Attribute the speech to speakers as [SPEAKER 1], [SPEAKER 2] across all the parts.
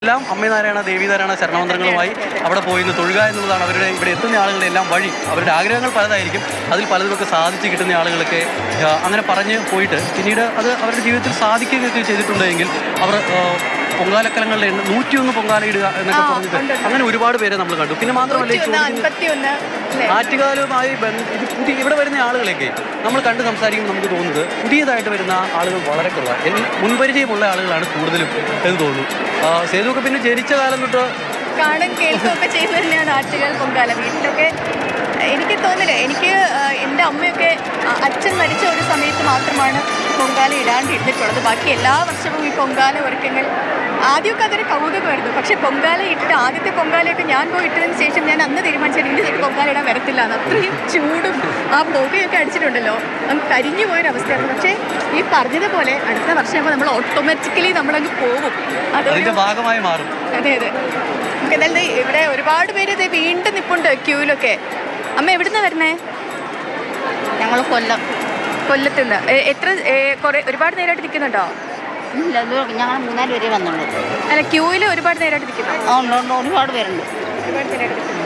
[SPEAKER 1] എല്ലാം അമ്മനാരായണ ദേവീനാരായണ ശരണമന്ത്രങ്ങളുമായി അവിടെ പോയി നിന്ന് തൊഴുക എന്നുള്ളതാണ് അവരുടെ ഇവിടെ എത്തുന്ന ആളുകളുടെ എല്ലാം വഴി. അവരുടെ ആഗ്രഹങ്ങൾ പലതായിരിക്കും. അതിൽ പലതുമൊക്കെ സാധിച്ച് കിട്ടുന്ന ആളുകളൊക്കെ അങ്ങനെ പറഞ്ഞ് പോയിട്ട് പിന്നീട് അത് അവരുടെ ജീവിതത്തിൽ സാധിക്കുകയൊക്കെ ചെയ്തിട്ടുണ്ടെങ്കിൽ അവർ പൊങ്കാലക്കലങ്ങളുടെ 101 പൊങ്കാല ഇടുക എന്നൊക്കെ പറഞ്ഞിട്ട് അങ്ങനെ ഒരുപാട് പേരെ നമ്മൾ കണ്ടു. പിന്നെ മാത്രമല്ല ആറ്റുകാലുമായി ഇത് ഇവിടെ വരുന്ന ആളുകളൊക്കെ നമ്മൾ കണ്ട് സംസാരിക്കുമ്പോൾ നമുക്ക് തോന്നുന്നത് പുതിയതായിട്ട് വരുന്ന ആളുകൾ വളരെ കുറവാണ്. മുൻപരിചയമുള്ള ആളുകളാണ് കൂടുതലും എന്ന് തോന്നുന്നു. സേതുവൊക്കെ പിന്നെ ജനിച്ച കാലം തൊട്ട്
[SPEAKER 2] കാണും കേൾക്കുകയൊക്കെ ചെയ്തു തന്നെയാണ് ആറ്റുകാൽ പൊങ്കാല. വീട്ടിലൊക്കെ എനിക്ക് തോന്നില്ല, എനിക്ക് എൻ്റെ അമ്മയൊക്കെ അച്ഛൻ മരിച്ച ഒരു സമയത്ത് മാത്രമാണ് പൊങ്കാല ഇടാണ്ടിരുന്നിട്ടുള്ളത്. ബാക്കി എല്ലാ വർഷവും ഈ പൊങ്കാല ഒരുക്കങ്ങൾ ആദ്യമൊക്കെ അതൊരു കൗതുകമായിരുന്നു. പക്ഷേ പൊങ്കാല ഇട്ട് ആദ്യത്തെ പൊങ്കാലയൊക്കെ ഞാൻ പോയി ഇട്ടതിന് ശേഷം ഞാൻ അന്ന് തീരുമാനിച്ചത് ഇനി പൊങ്കാല ഇടാൻ വരത്തില്ല എന്ന്. അത്രയും ചൂടും ആ പുകയൊക്കെ അടിച്ചിട്ടുണ്ടല്ലോ, നമുക്ക് കരിഞ്ഞു പോയൊരവസ്ഥയായിരുന്നു. പക്ഷേ ഈ പറഞ്ഞതുപോലെ അടുത്ത വർഷമാകുമ്പോൾ നമ്മൾ ഓട്ടോമാറ്റിക്കലി നമ്മളങ്ങ് പോകും, അതൊരു ഭാഗമായി മാറും. അതെ അതെ. എന്നാലും ഇവിടെ ഒരുപാട് പേര് ഇത് വീണ്ടും നിൽപ്പുണ്ട് ക്യൂവിലൊക്കെ. അമ്മ എവിടുന്നാണ് വരണേ?
[SPEAKER 3] ഞങ്ങൾ
[SPEAKER 2] കൊല്ലത്തുനിന്ന്. എത്ര ഒരുപാട് നേരമായിട്ട് നിൽക്കുന്നുണ്ടോ?
[SPEAKER 3] ഇല്ല, ഞങ്ങൾ 3-4 പേരെ വന്നുള്ളൂ.
[SPEAKER 2] അല്ല, ക്യൂവിൽ ഒരുപാട് നേരമായിട്ട് നിൽക്കുന്നു?
[SPEAKER 3] ഒരുപാട് പേരുണ്ട്.
[SPEAKER 2] ഒരുപാട് നേരമായിട്ട് നിൽക്കുന്നു.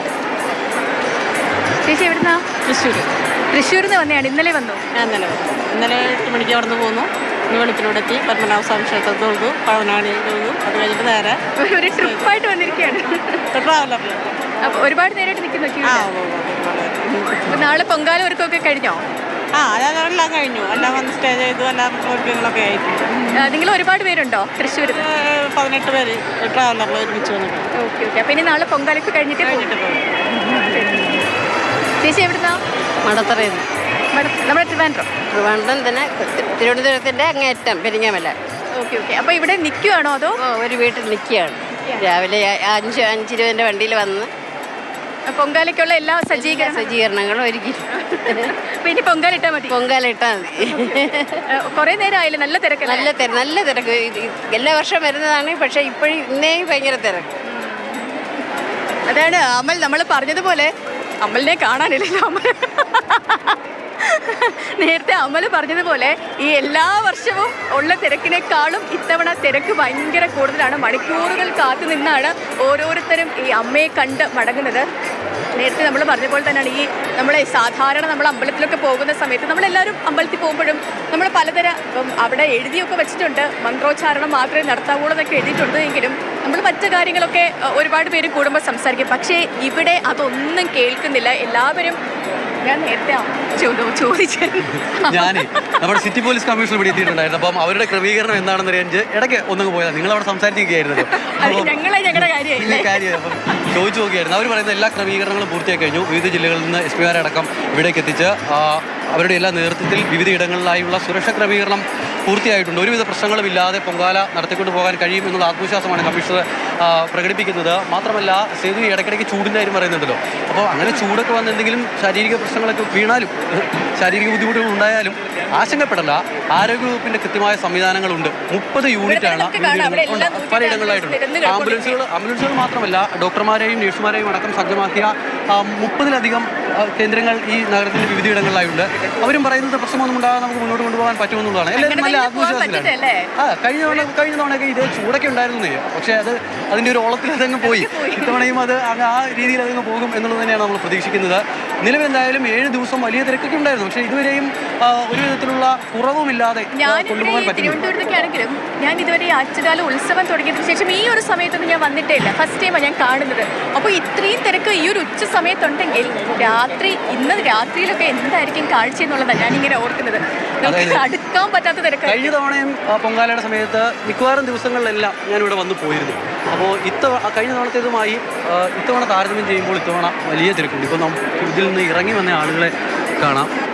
[SPEAKER 2] ചേച്ചി എവിടുന്നാ? തൃശ്ശൂരിൽ നിന്ന് വന്നെയാണ്. ഇന്നലെ വന്നു?
[SPEAKER 4] ഇന്നലെ 8 മണിക്ക് അവിടെ നിന്ന് പോന്നു. ഇന്ന് വെളുപ്പിലൂടെ എത്തി പത്മനാഭസ്വാമി ക്ഷേത്രത്തിൽ തൊഴുതു, പഴനാടി തൊഴുതു. അത് കഴിഞ്ഞിട്ട് നേരെ
[SPEAKER 2] ഒരു ട്രിപ്പായിട്ട് വന്നിരിക്കുകയാണ്.
[SPEAKER 4] ട്രാവലറിൽ.
[SPEAKER 2] അപ്പോൾ ഒരുപാട് നേരമായിട്ട് നിൽക്കുന്നു ക്യൂ. നാളെ പൊങ്കാല ഒരുക്കമൊക്കെ കഴിഞ്ഞോ?
[SPEAKER 4] എല്ലാം കഴിഞ്ഞു. എല്ലാം വന്ന് സ്റ്റേ ചെയ്തു. എല്ലാം ഒരുക്കങ്ങളൊക്കെ ആയിരുന്നു.
[SPEAKER 2] നിങ്ങൾ ഒരുപാട് പേരുണ്ടോ തൃശ്ശൂർ?
[SPEAKER 4] 18 പേര് ട്രാവലറിൽ ഒരുമിച്ച് വന്നിട്ട്.
[SPEAKER 2] Okay okay. അപ്പോൾ ഇനി നാളെ പൊങ്കാലൊക്കെ കഴിഞ്ഞിട്ട് പോകും. ചേച്ചി എവിടുന്നാ?
[SPEAKER 3] മടത്തറയിൽ.
[SPEAKER 2] നമ്മുടെ ട്രിവാൻഡ്രം
[SPEAKER 3] തന്നെ, തിരുവനന്തപുരത്തിൻ്റെ അങ്ങേറ്റം പെരിങ്ങമല.
[SPEAKER 2] Okay okay. അപ്പോൾ ഇവിടെ നിൽക്കുകയാണോ അതോ?
[SPEAKER 3] ഒരു വീട്ടിൽ നിൽക്കുകയാണ്. രാവിലെ 5:20 വണ്ടിയിൽ വന്ന്
[SPEAKER 2] പൊങ്കാലയ്ക്കുള്ള എല്ലാ
[SPEAKER 3] സജ്ജീകരണങ്ങളും ഒരുക്കി.
[SPEAKER 2] പിന്നെ പൊങ്കാല ഇട്ടാൽ മതി.
[SPEAKER 3] പൊങ്കാല ഇട്ടാൽ മതി.
[SPEAKER 2] കുറേ നേരം ആയില്ലേ? നല്ല തിരക്ക്.
[SPEAKER 3] നല്ല തിരക്ക്. എല്ലാ വർഷവും വരുന്നതാണ്. പക്ഷേ ഇപ്പോഴും ഇന്നേയും ഭയങ്കര തിരക്ക്.
[SPEAKER 2] അതാണ് അമൽ നമ്മൾ പറഞ്ഞതുപോലെ. അമലിനെ കാണാനില്ലല്ലോ. നേരത്തെ അമൽ പറഞ്ഞതുപോലെ ഈ എല്ലാ വർഷവും ഉള്ള തിരക്കിനേക്കാളും ഇത്തവണ തിരക്ക് ഭയങ്കര കൂടുതലാണ്. മണിക്കൂറുകൾ കാത്തു നിന്നാണ് ഓരോരുത്തരും ഈ അമ്മയെ കണ്ട് മടങ്ങുന്നത്. നേരത്തെ നമ്മൾ പറഞ്ഞ പോലെ തന്നെയാണ് ഈ സാധാരണ നമ്മൾ അമ്പലത്തിലൊക്കെ പോകുന്ന സമയത്ത് നമ്മളെല്ലാവരും അമ്പലത്തിൽ പോകുമ്പോഴും നമ്മൾ പലതരം അവിടെ എഴുതിയൊക്കെ വെച്ചിട്ടുണ്ട്, മന്ത്രോച്ചാരണം മാത്രമേ നടത്താവുള്ളൂ എന്നൊക്കെ എഴുതിയിട്ടുണ്ട്. എങ്കിലും നമ്മൾ മറ്റു കാര്യങ്ങളൊക്കെ ഒരുപാട് പേര് കൂടുമ്പോൾ സംസാരിക്കും. പക്ഷേ ഇവിടെ അതൊന്നും കേൾക്കുന്നില്ല. എല്ലാവരും ഞാൻ നേരത്തെ ചോദിച്ചു.
[SPEAKER 1] ഞാനേ നമ്മുടെ സിറ്റി പോലീസ് കമ്മീഷണർ ഇവിടെ എത്തിയിട്ടുണ്ടായിരുന്നു. അപ്പം അവരുടെ ക്രമീകരണം എന്താണെന്ന് അറിയാൻ ഇടയ്ക്ക് ഒന്നും പോയതാണ്. നിങ്ങൾ അവിടെ സംസാരിച്ചിരിക്കുകയായിരുന്നല്ലോ. കാര്യം അപ്പം ചോദിച്ചു നോക്കിയായിരുന്നു. അവർ പറയുന്ന എല്ലാ ക്രമീകരണങ്ങളും പൂർത്തിയാക്കി കഴിഞ്ഞു. വിവിധ ജില്ലകളിൽ നിന്ന് SP മാരടക്കം ഇവിടേക്ക് എത്തിച്ച് അവരുടെ എല്ലാ നേതൃത്വത്തിൽ വിവിധ ഇടങ്ങളിലായുള്ള സുരക്ഷാ ക്രമീകരണം പൂർത്തിയായിട്ടുണ്ട്. ഒരുവിധ പ്രശ്നങ്ങളുമില്ലാതെ പൊങ്കാല നടത്തിക്കൊണ്ട് പോകാൻ കഴിയും എന്നുള്ള ആത്മവിശ്വാസമാണ് കമ്മീഷണർ പ്രകടിപ്പിക്കുന്നത്. മാത്രമല്ല സേതു ഇടയ്ക്കിടയ്ക്ക് ചൂടിൻ്റെ കാര്യം പറയുന്നുണ്ടല്ലോ. അപ്പോൾ അങ്ങനെ ചൂടൊക്കെ വന്ന് എന്തെങ്കിലും ശാരീരിക പ്രശ്നങ്ങളൊക്കെ വീണാലും ശാരീരിക ബുദ്ധിമുട്ടുകൾ ഉണ്ടായാലും ആശങ്കപ്പെടല്ല. ആരോഗ്യവകുപ്പിൻ്റെ കൃത്യമായ സംവിധാനങ്ങളുണ്ട്. 30 യൂണിറ്റാണ് പലയിടങ്ങളിലായിട്ടുണ്ട്. ആംബുലൻസുകൾ മാത്രമല്ല ഡോക്ടർമാരെയും നഴ്സുമാരെയും അടക്കം സജ്ജമാക്കിയ 30-ലധികം കേന്ദ്രങ്ങൾ ഈ നഗരത്തിൻ്റെ വിവിധ ഇടങ്ങളിലായുണ്ട്. അവരും പറയുന്നത് പ്രശ്നമൊന്നും ഉണ്ടാകാതെ നമുക്ക് മുന്നോട്ട് കൊണ്ടുപോകാൻ പറ്റുമെന്നുള്ളതാണ്. എല്ലാവരും നല്ല ആത്മവിശ്വാസത്തിലാണ്. കഴിഞ്ഞ തവണയൊക്കെ ഇത് ചൂടൊക്കെ ഉണ്ടായിരുന്നേ, പക്ഷേ അതിൻ്റെ ഒരു ഓളത്തിൽ അതങ്ങ് പോയി. ഇത്തവണയും അത് ആ രീതിയിൽ അതങ്ങ് പോകും എന്നുള്ളത് തന്നെയാണ് നമ്മൾ പ്രതീക്ഷിക്കുന്നത്. നിലവിൽ എന്തായാലും 7 ദിവസം വലിയ തിരക്കൊക്കെ ഉണ്ടായിരുന്നു. പക്ഷേ ഇതുവരെയും ഒരു വിധത്തിലുള്ള കുറവുമില്ലാതെ കൊണ്ടുപോകാൻ പറ്റും.
[SPEAKER 2] തിരുവനന്തപുരത്തൊക്കെ ആണെങ്കിലും ഞാൻ ഇതുവരെ ആറ്റുകാല ഉത്സവം തുടങ്ങിയതിനു ശേഷം ഈ ഒരു സമയത്തൊന്നും ഞാൻ വന്നിട്ടേ ഇല്ല. ഫസ്റ്റ് ടൈമാണ് ഞാൻ കാണുന്നത്. അപ്പോൾ ഇത്രയും തിരക്ക് ഈ ഒരു ഉച്ച സമയത്തുണ്ടെങ്കിൽ ഇന്ന് രാത്രിയിലൊക്കെ എന്തായിരിക്കും കാഴ്ച എന്നുള്ളതാണ് ഞാനിങ്ങനെ ഓർക്കുന്നത്. അടുക്കാൻ പറ്റാത്ത തിരക്ക്.
[SPEAKER 1] കഴിഞ്ഞ തവണയും പൊങ്കാലയുടെ സമയത്ത് മിക്കവാറും ദിവസങ്ങളിലെല്ലാം ഞാനിവിടെ വന്ന് പോയിരുന്നു. അപ്പോൾ കഴിഞ്ഞ തവണത്തേതുമായി ഇത്തവണ താരതമ്യം ചെയ്യുമ്പോൾ ഇത്തവണ വലിയ തിരക്കുണ്ട്. ഇപ്പോൾ നമുക്ക് ഇതിൽ നിന്ന് ഇറങ്ങി വന്ന ആളുകളെ കാണാം.